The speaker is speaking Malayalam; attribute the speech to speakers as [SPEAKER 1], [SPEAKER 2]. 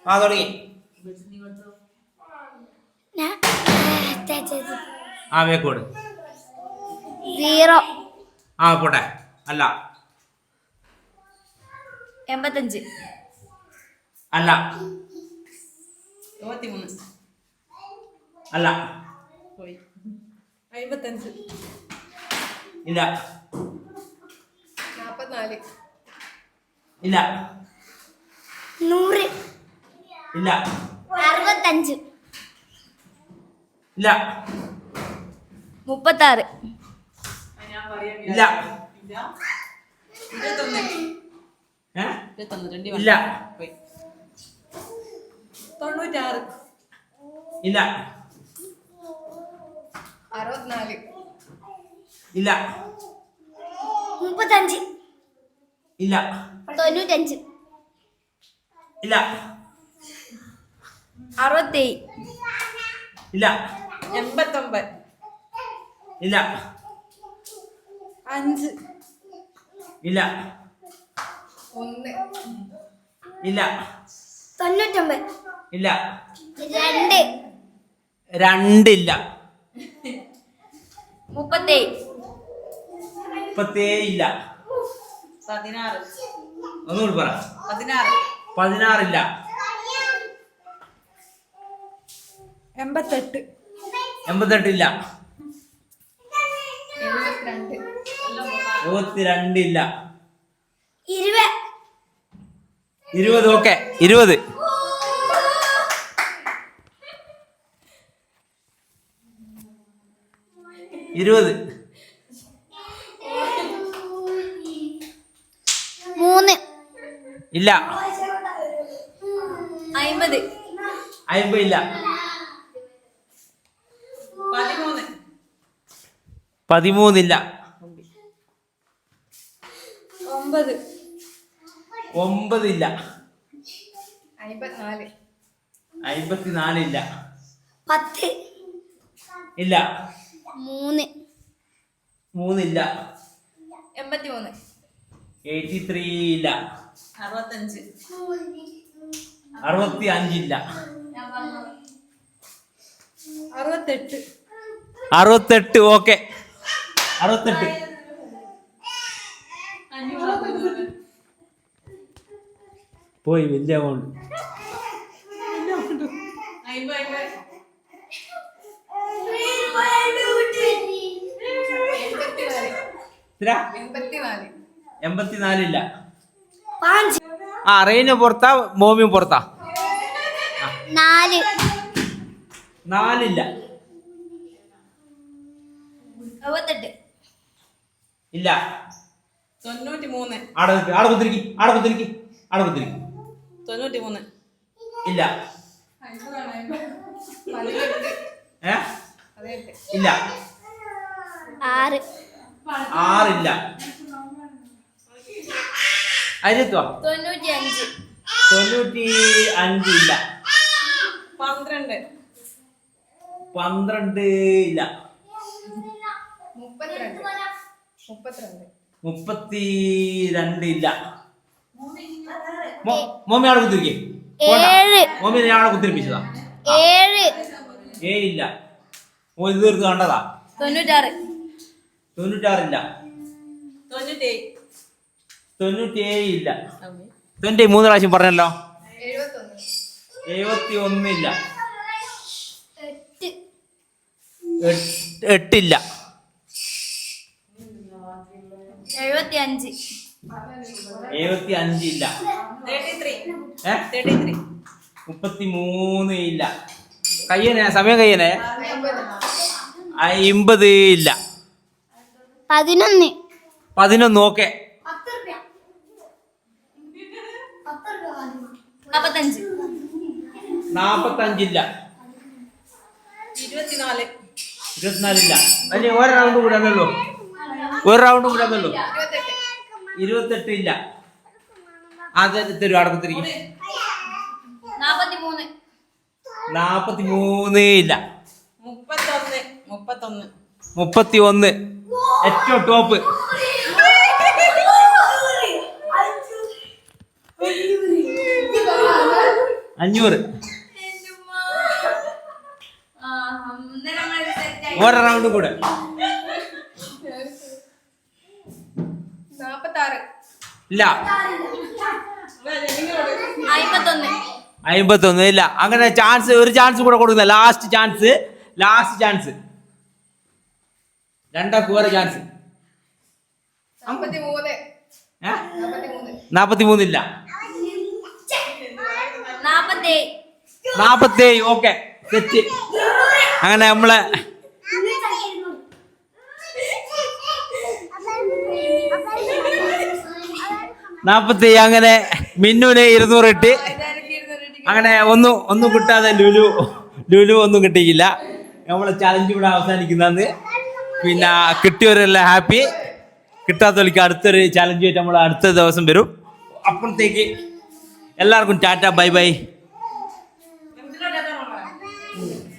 [SPEAKER 1] ആ തുടങ്ങി. ആ വേക്കോട്
[SPEAKER 2] 0
[SPEAKER 1] ആ പോട്ടെ. അല്ല
[SPEAKER 2] 85
[SPEAKER 1] അല്ല
[SPEAKER 3] 23
[SPEAKER 1] അല്ല
[SPEAKER 3] പോയി 55
[SPEAKER 1] ഇല്ല
[SPEAKER 3] 44
[SPEAKER 1] ഇല്ല
[SPEAKER 2] 100
[SPEAKER 1] ഇല്ല
[SPEAKER 2] 65
[SPEAKER 1] ഇല്ല
[SPEAKER 2] 36
[SPEAKER 1] ഇല്ല
[SPEAKER 3] 21
[SPEAKER 1] ഇല്ല
[SPEAKER 3] പോയി 96
[SPEAKER 1] ഇല്ല
[SPEAKER 3] 64
[SPEAKER 1] ഇല്ല
[SPEAKER 2] 35
[SPEAKER 1] ഇല്ല
[SPEAKER 2] 95
[SPEAKER 1] ഇല്ല
[SPEAKER 2] 67
[SPEAKER 1] ഇല്ല
[SPEAKER 3] 89
[SPEAKER 1] ഇല്ല
[SPEAKER 3] 5
[SPEAKER 1] ഇല്ല
[SPEAKER 3] 1
[SPEAKER 1] ഇല്ല
[SPEAKER 2] 99
[SPEAKER 1] ഇല്ല
[SPEAKER 2] 2
[SPEAKER 1] രണ്ടില്ല
[SPEAKER 2] 37
[SPEAKER 1] 37 ഇല്ല
[SPEAKER 3] 16
[SPEAKER 1] ഒന്നുകൂടി പറ.
[SPEAKER 3] 16
[SPEAKER 1] 16 ഇല്ല
[SPEAKER 3] 88
[SPEAKER 1] 88 ഇല്ല
[SPEAKER 3] 72
[SPEAKER 1] 72 ഇല്ല
[SPEAKER 2] 20
[SPEAKER 1] 20 ഓക്കെ 20 20
[SPEAKER 2] 3
[SPEAKER 1] ഇല്ല
[SPEAKER 2] 50
[SPEAKER 1] 50 ഇല്ല
[SPEAKER 3] 13
[SPEAKER 1] 13 ഇല്ല
[SPEAKER 3] 9
[SPEAKER 1] 9 ഇല്ല
[SPEAKER 3] 54
[SPEAKER 1] 54 ഇല്ല
[SPEAKER 2] 10
[SPEAKER 1] ഇല്ല
[SPEAKER 2] 3
[SPEAKER 1] 3 ഇല്ല
[SPEAKER 3] 83
[SPEAKER 1] 83 ഇല്ല
[SPEAKER 3] 65
[SPEAKER 1] 65 ഇല്ല
[SPEAKER 3] 68
[SPEAKER 1] 68 ഓക്കെ 68 പോയി വലിയ എമൗണ്ട് 84 ഇല്ല
[SPEAKER 2] 5
[SPEAKER 1] ആ റെയിന് പുറത്താ മോമിയും പുറത്താ
[SPEAKER 2] 4
[SPEAKER 1] 4 ഇല്ല
[SPEAKER 2] 78
[SPEAKER 1] ഇല്ല
[SPEAKER 3] 93
[SPEAKER 1] ആടെ നിൽക്ക് ആടെ കുത്തിരിക്കി
[SPEAKER 3] 93
[SPEAKER 1] ഇല്ല
[SPEAKER 3] 18
[SPEAKER 1] ഏ ഇല്ല
[SPEAKER 2] 6
[SPEAKER 1] 6 ഇല്ല അതിലെത്തുവാ
[SPEAKER 2] 95
[SPEAKER 1] 95 ഇല്ല
[SPEAKER 3] 12
[SPEAKER 1] 12 ഇല്ല 32 ഇല്ല മോമി ആടെ കുത്തിരിക്കേ
[SPEAKER 2] 7
[SPEAKER 1] മോമി ഞാൻ ആടെ കുത്തിരിപ്പിച്ചതാ
[SPEAKER 2] 7
[SPEAKER 1] 7 ഇല്ല ഓ ഇത് തീർത്ത് കണ്ടതാ
[SPEAKER 2] 96
[SPEAKER 1] 96 ഇല്ല 97 ഇല്ല 3 പ്രാവശ്യം പറഞ്ഞല്ലോ 71 ഇല്ല 8 ഇല്ല
[SPEAKER 2] 75
[SPEAKER 1] 75 ഇല്ല 33 ഇല്ല കയ്യനെ സമയം കയ്യനെ 50 ഇല്ല
[SPEAKER 2] 11
[SPEAKER 1] 11 ഓക്കെ
[SPEAKER 2] 45
[SPEAKER 1] 45 ഇല്ല
[SPEAKER 3] 24
[SPEAKER 1] 24 ഇല്ല അല്ലേ ഒരു റൗണ്ട് കൂടെ അതല്ലോ 28 ഇല്ല അത് തരും അവിടെ കുത്തിരിക്കും
[SPEAKER 2] 43
[SPEAKER 1] 43 ഇല്ല
[SPEAKER 3] 31
[SPEAKER 1] 31 ഏറ്റവും ടോപ്പ്
[SPEAKER 3] 32
[SPEAKER 1] 500. ഒരു റൗണ്ട് കൂടെ.
[SPEAKER 3] 46.
[SPEAKER 1] ഇല്ല.
[SPEAKER 2] 51.
[SPEAKER 1] ഇല്ല. അങ്ങനെ ചാൻസ്, ഒരു ചാൻസ് കൂടെ കൊടുക്കുന്ന. Last chance. രണ്ടാൾക്ക് വേറെ ചാൻസ്.
[SPEAKER 3] 53.
[SPEAKER 1] 43 ഇല്ല. 47. ഓക്കെ, തെറ്റ്. അങ്ങനെ നമ്മളെ അങ്ങനെ മിന്നുവിന് 200 ഇട്ട്. അങ്ങനെ ഒന്നും കിട്ടാതെ ലുലു ഒന്നും കിട്ടിയില്ല. നമ്മളെ ചലഞ്ച് ഇവിടെ അവസാനിക്കുന്നത്. പിന്നെ കിട്ടിയവരെല്ലാം ഹാപ്പി. കിട്ടാത്തവർക്ക് അടുത്തൊരു ചലഞ്ച് ആയിട്ട് നമ്മൾ അടുത്ത ദിവസം വരും. അപ്പോഴത്തേക്ക് എല്ലാവർക്കും ടാറ്റ, ബൈ ബൈ.